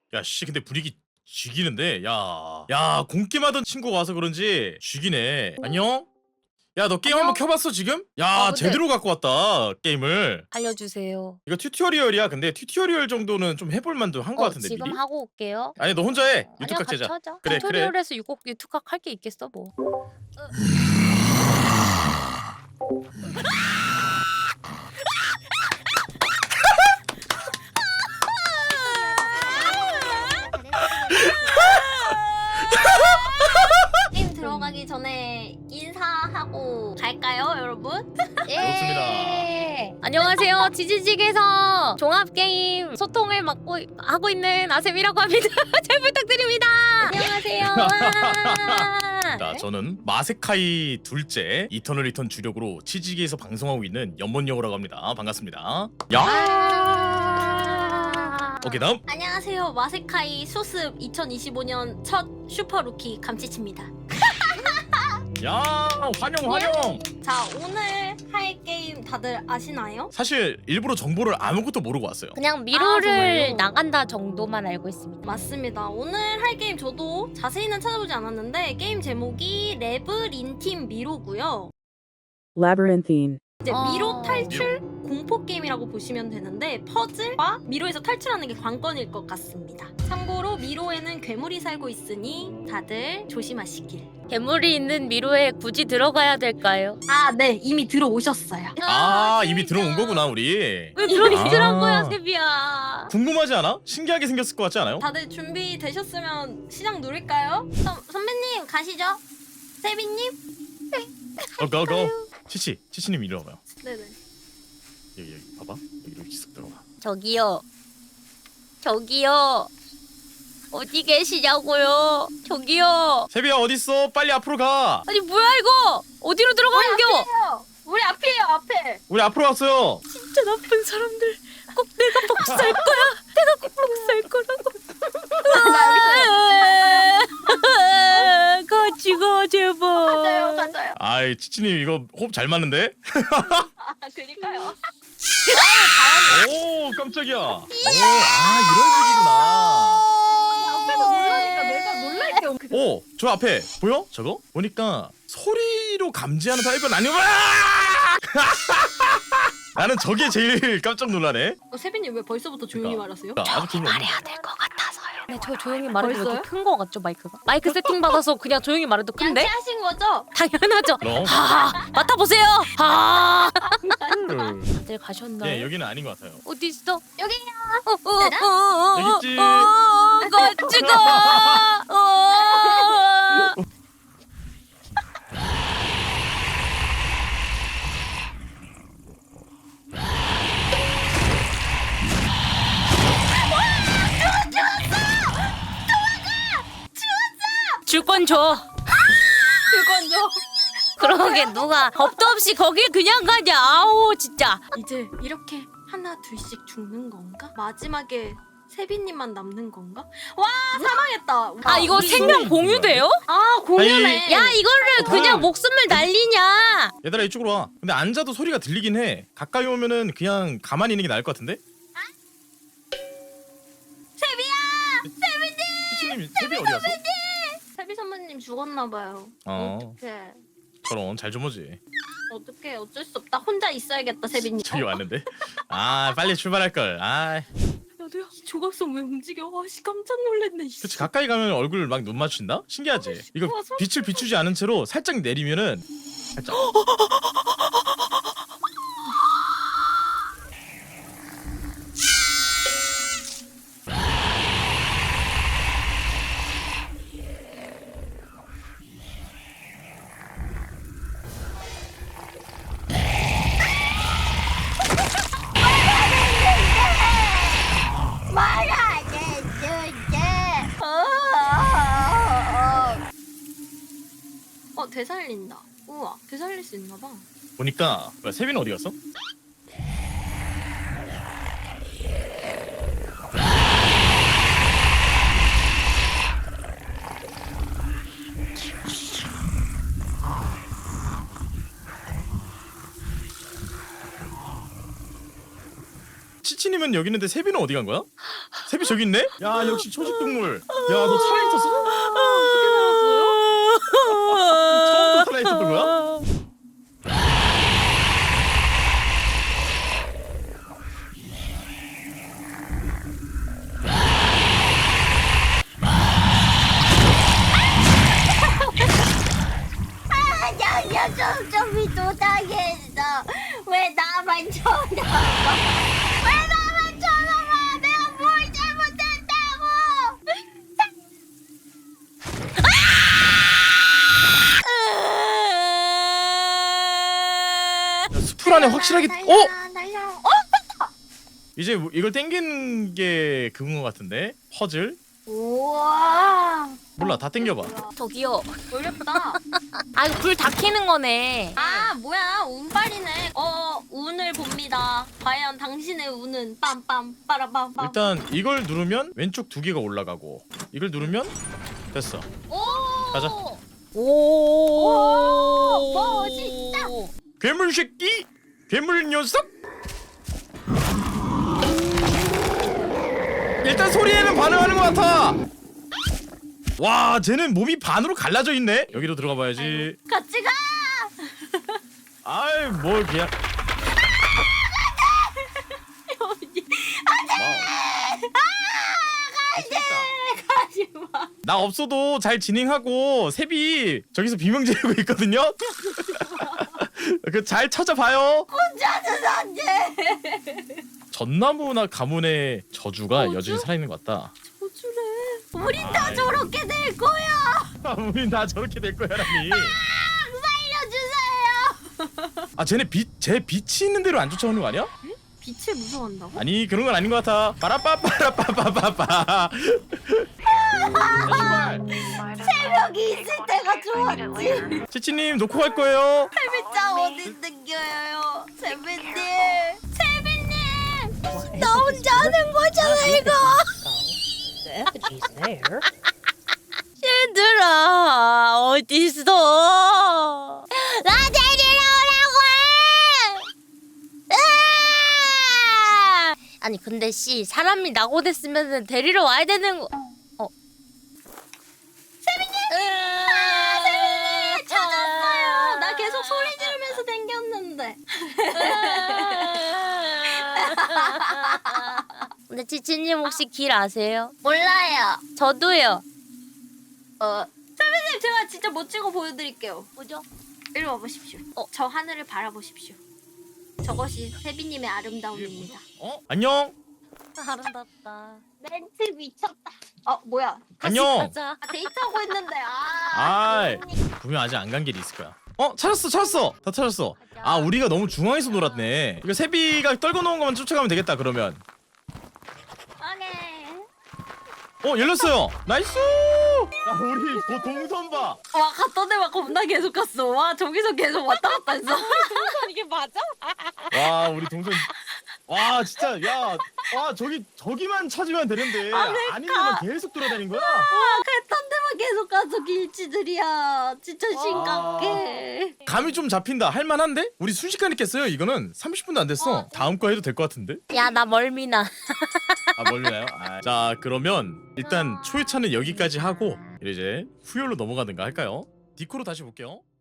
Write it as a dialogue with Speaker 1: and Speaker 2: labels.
Speaker 1: 야, 씨, 근데 분위기 죽이는데? 야, 공게임하던 친구가 와서 그런지 죽이네. 안녕? 야, 너 게임
Speaker 2: 안녕?
Speaker 1: 한번 켜봤어, 지금? 야,
Speaker 2: 근데-
Speaker 1: 제대로 갖고 왔다, 게임을.
Speaker 2: 알려주세요.
Speaker 1: 이거 튜토리얼이야. 근데 튜토리얼 정도는 좀 해볼 만도 한 거 같은데,
Speaker 2: 지금
Speaker 1: 미리?
Speaker 2: 하고 올게요.
Speaker 1: 아니, 너 혼자 해.
Speaker 2: 아니야,
Speaker 1: 유튜브 각
Speaker 2: 같이
Speaker 1: 제자.
Speaker 2: 하자.
Speaker 1: 그래,
Speaker 2: 튜토리얼에서 유튜브 할 게 있겠어 뭐.
Speaker 3: 게임 들어가기 전에 인사하고 갈까요, 여러분?
Speaker 2: 예. 안녕하세요. 지지직에서 종합 게임 소통을 맡고 하고 있는 아셈이라고 합니다. 잘 부탁드립니다. 안녕하세요. 와.
Speaker 1: 자, 저는 마세카이 둘째 이터널 리턴 주력으로 치지기에서 방송하고 있는 연못여우라고 합니다. 반갑습니다. 야!
Speaker 2: 아.
Speaker 1: 오케이, 다음.
Speaker 3: 안녕하세요, 마세카이 수습 2025년 첫 슈퍼 루키 감치치입니다.
Speaker 1: 야, 환영.
Speaker 3: 자, 오늘 할 게임 다들 아시나요?
Speaker 1: 사실 일부러 정보를 아무것도 모르고 왔어요.
Speaker 2: 그냥 미로를
Speaker 3: 정말요?
Speaker 2: 나간다 정도만 알고 있습니다.
Speaker 3: 맞습니다. 오늘 할 게임 저도 자세히는 찾아보지 않았는데 게임 제목이 레브린틴 미로고요.
Speaker 4: Labyrinthine.
Speaker 3: 이제
Speaker 2: 아.
Speaker 3: 미로 탈출 공포 게임이라고 보시면 되는데 퍼즐과 미로에서 탈출하는 게 관건일 것 같습니다. 참고로 미로에는 괴물이 살고 있으니 다들 조심하시길.
Speaker 2: 괴물이 있는 미로에 굳이 들어가야 될까요?
Speaker 3: 아, 네, 이미 들어오셨어요.
Speaker 1: 아, 이미 들어온 거구나, 우리.
Speaker 2: 왜 들어오시란
Speaker 1: 아.
Speaker 2: 거야, 세비야?
Speaker 1: 궁금하지 않아? 신기하게 생겼을 것 같지 않아요?
Speaker 3: 다들 준비되셨으면 시작 누릴까요? 선배님 가시죠. 세빈님?
Speaker 1: 고. 치치님 이리 와봐요.
Speaker 3: 네네.
Speaker 1: 여기 봐봐. 여기로 쓱 들어가.
Speaker 2: 저기요. 어디 계시냐고요? 저기요.
Speaker 1: 세비야, 어딨어? 빨리 앞으로 가.
Speaker 2: 아니 뭐야 이거? 어디로 들어가는겨?
Speaker 3: 우리 앞이에요, 앞에.
Speaker 1: 우리 앞으로 왔어요.
Speaker 2: 진짜 나쁜 사람들. 꼭 내가 복수할 거야. 내가 꼭 복수할 거라고. 같이 가 제발.
Speaker 3: 가자요.
Speaker 1: 아이, 치치님 이거 호흡 잘 맞는데?
Speaker 3: 아, 그니까요.
Speaker 1: 오, 깜짝이야. 오, 이런 식이구나.
Speaker 3: 앞에서 놀라니까 내가 놀랄게.
Speaker 1: 오, 저 앞에 보여? 저거? 보니까 소리로 감지하는 타입은 아니구나. 나는 저게 제일 깜짝 놀라네.
Speaker 3: 세빈님 왜 벌써부터 조용히
Speaker 1: 그러니까.
Speaker 3: 말하세요?
Speaker 1: 아주 기분
Speaker 2: 말해야 될 것 같아서요. 네, 저 조용히 말해도 왜
Speaker 3: 벌써요?
Speaker 2: 이렇게 큰 거 같죠 마이크가? 마이크 세팅 받아서 그냥 조용히 말해도 큰데?
Speaker 3: 양치하신 거죠?
Speaker 2: 당연하죠.
Speaker 1: 그럼.
Speaker 2: 하 맡아보세요. 하. 다들 가셨나요?
Speaker 1: 예, 여기는 아닌 것 같아요.
Speaker 2: 어디 있어?
Speaker 3: 여기요.
Speaker 1: 여기 있지.
Speaker 2: 같이 가. 줄 건 줘.
Speaker 3: 그건 좀.
Speaker 2: 그러게 누가 겁도 없이 거길 그냥 가냐. 아우 진짜.
Speaker 3: 이제 이렇게 하나 둘씩 죽는 건가? 마지막에 세빈님만 남는 건가? 와, 사망했다.
Speaker 2: 아 이거
Speaker 3: 우리
Speaker 2: 생명
Speaker 1: 이거
Speaker 2: 공유돼요?
Speaker 3: 아, 공유네.
Speaker 2: 야 이거를 그냥 목숨을 날리냐?
Speaker 1: 얘들아, 이쪽으로 와. 근데 앉아도 소리가 들리긴 해. 가까이 오면은 그냥 가만히 있는 게 나을 것 같은데?
Speaker 3: 세비야.
Speaker 1: 세비 어디 갔어?
Speaker 3: 세비 선배님 죽었나 봐요.
Speaker 1: 어.
Speaker 3: 어떡해.
Speaker 1: 저런, 잘 좀 오지.
Speaker 3: 어떡해. 어쩔 수 없다. 혼자 있어야겠다, 세빈님.
Speaker 1: 저기 왔는데? 아, 빨리 출발할 걸. 아,
Speaker 3: 야도야, 조각성 왜 움직여? 씨, 깜짝 놀랐네. 씨.
Speaker 1: 그치, 가까이 가면 얼굴 막 눈 맞춘다? 신기하지? 이거
Speaker 3: 우와, 소름
Speaker 1: 빛을 비추지 않은 채로 살짝 내리면은 살짝.
Speaker 3: 되살린다. 우와, 되살릴 수 있나 봐.
Speaker 1: 보니까 뭐야, 세빈 어디 갔어? 치치님은 여기 있는데 세빈은 어디 간 거야? 세비 저기 있네? 야 역시 초식동물. 야 너 살아있었어?
Speaker 3: 어떻게 나왔어요?
Speaker 1: 처음부터 살아있었던 거야?
Speaker 3: 점이 또 당했어. 왜 나만 쳐다봐? 왜 나만 쳐다봐? 내가 뭘 잘못했다고?
Speaker 1: 야, 숲풀 안에 확실하게
Speaker 3: 날려.
Speaker 1: 이제 이걸 땡기는 게 그건 것 같은데? 퍼즐?
Speaker 3: 우와.
Speaker 1: 몰라 다 땡겨봐.
Speaker 2: 저기요.
Speaker 3: 어렵다.
Speaker 2: 아 이거 불 다 켜는 거네.
Speaker 3: 아 뭐야 운빨이네. 운을 봅니다. 과연 당신의 운은 빰빰 빠라빰빰.
Speaker 1: 일단 이걸 누르면 왼쪽 2개가 올라가고 이걸 누르면 됐어.
Speaker 3: 오.
Speaker 1: 가자.
Speaker 2: 오.
Speaker 3: 멋있다.
Speaker 1: 괴물 새끼! 괴물 녀석! 일단 소리에는 반응하는 것 같아. 와, 쟤는 몸이 반으로 갈라져 있네. 여기로 들어가 봐야지.
Speaker 3: 같이 가.
Speaker 1: 아이, 뭘 그냥.
Speaker 3: 가지 마.
Speaker 1: 나 없어도 잘 진행하고 세비 저기서 비명 지르고 있거든요. 그 잘 찾아봐요.
Speaker 3: 혼자는 안 돼.
Speaker 1: 전나무나 가문의 저주가
Speaker 3: 저주?
Speaker 1: 여전히 살아있는 것 같다.
Speaker 3: 저주래. 우린 다
Speaker 1: 아이.
Speaker 3: 저렇게 될 거야.
Speaker 1: 우린 다 저렇게 될 거야라니.
Speaker 3: 살려주세요.
Speaker 1: 아, 쟤 빛이 있는 대로 안 쫓아오는 거 아니야?
Speaker 3: 빛을 무서워한다고?
Speaker 1: 아니 그런 건 아닌 것 같아. 빠라빠빠라빠빠빠빠.
Speaker 3: 새벽이 있을 때가 좋았지.
Speaker 1: 치치님 놓고 갈 거예요.
Speaker 3: 세빈짱 어디 있는겨요? 세빈님. 세빈님. 나 혼자 하는 거잖아 이거.
Speaker 2: 얘들아 어딨어? 나 데리러 오라고 해! 아니 근데 씨 사람이 낙오됐으면 데리러 와야 되는 거.
Speaker 3: 세빈님 찾았어요. 나 계속 소리 지르면서 댕겼는데.
Speaker 2: 근데 지치님 혹시 길 아세요?
Speaker 3: 몰라요.
Speaker 2: 저도요.
Speaker 3: 세빈님 제가 진짜 멋지고 보여드릴게요.
Speaker 2: 뭐죠?
Speaker 3: 이리 와보십시오. 저 하늘을 바라보십시오. 저것이 세빈님의 아름다움입니다.
Speaker 1: 안녕.
Speaker 2: 아름답다.
Speaker 3: 멘트 미쳤다. 뭐야?
Speaker 1: 안녕.
Speaker 2: 가자.
Speaker 3: 데이트하고 있는데
Speaker 1: 아이, 분명 아직 안 간 길이 있을 거야. 찾았어. 다 찾았어. 아, 우리가 너무 중앙에서 놀았네. 이거 세비가 떨궈 놓은 것만 쫓아가면 되겠다. 그러면.
Speaker 3: 오케이.
Speaker 1: 열렸어요. 나이스. 야, 우리 동선 봐.
Speaker 3: 와 갔던 데만 겁나 계속 갔어. 와 저기서 계속 왔다 갔다 했어.
Speaker 2: 이게 맞아?
Speaker 1: 와, 우리 동선. 와, 진짜 야. 와, 저기만 찾으면 되는데. 아니면 계속 돌아다닌 거야?
Speaker 3: 갔던 데만 계속 가서 길치들이야. 진짜 심각해.
Speaker 1: 감이 좀 잡힌다. 할만한데? 우리 순식간에 깼어요. 이거는 30분도 안 됐어. 다음 거 해도 될 것 같은데?
Speaker 2: 야 나 멀미나.
Speaker 1: 아, 멀리나요? 자, 그러면 일단 초회차는 여기까지 하고 이제 후열로 넘어가든가 할까요? 디코로 다시 볼게요.